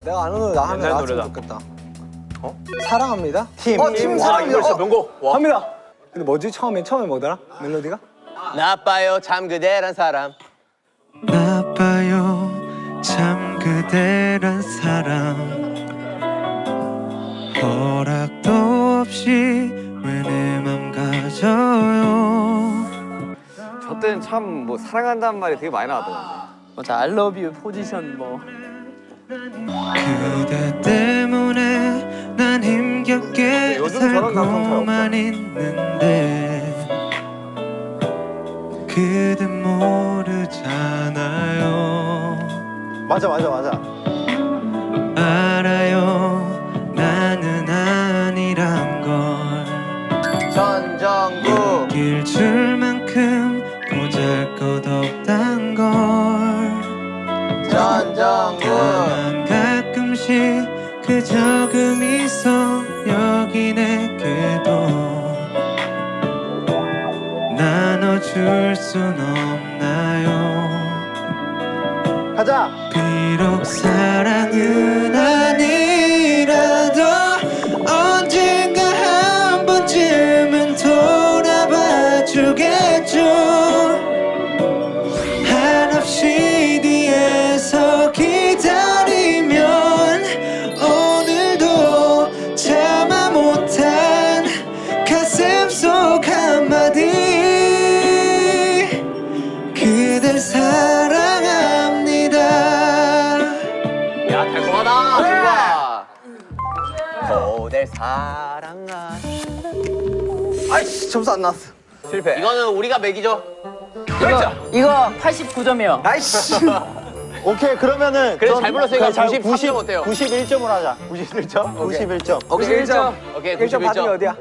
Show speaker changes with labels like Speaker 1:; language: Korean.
Speaker 1: 내가 아는 노래 나 하나 나왔으면 좋겠다. 어? 사랑합니다. 팀 사랑합니다.
Speaker 2: 이거 명곡. 와.
Speaker 1: 합니다. 근데 뭐지? 처음에 뭐더라? 멜로디가?
Speaker 3: 나빠요 참 그대란 사람.
Speaker 4: 나빠요 참 그대란 사람. 허락도 없이 왜 내 맘 가져요.
Speaker 2: 저 때는 참 뭐 사랑한다는 말이 되게 많이 나왔더라고요.
Speaker 3: 맞아, I love you 포지션 뭐.
Speaker 4: 그대 때문에 난 힘겹게
Speaker 2: 요즘 저런 감성 잘
Speaker 4: 살고만 있는데 그댄 모르잖아요.
Speaker 1: 맞아.
Speaker 4: 알아요 나는 아니란 걸.
Speaker 3: 전정구.
Speaker 4: 길 줄만큼 보잘것 없단 걸.
Speaker 3: 전정구.
Speaker 4: 다만 가끔씩 그 적음이 있어 여기 내게도 나눠줄 순 없나요.
Speaker 1: 가자.
Speaker 4: 비록 사랑은 아니라도 언젠가 한 번쯤은 돌아봐 주겠죠. 한없이 뒤에서 기다리면 오늘도 참아 못한 가슴 속 한마디 그댈 사랑합니다.
Speaker 3: 야 달콤하다. 좋아. 그댈 사랑하.
Speaker 1: 아이씨 점수 안 나왔어.
Speaker 3: 실패. 이거는 우리가 매기죠.
Speaker 5: 이거 89점이요.
Speaker 1: 아이씨. 오케이 그러면은
Speaker 3: 그래도 잘 불렀으니까 93점 어때요?
Speaker 1: 91점으로 하자. 91점? 91점.
Speaker 3: 91점. 오케이
Speaker 1: 1점 받은 게
Speaker 3: 91점.
Speaker 1: 어디야?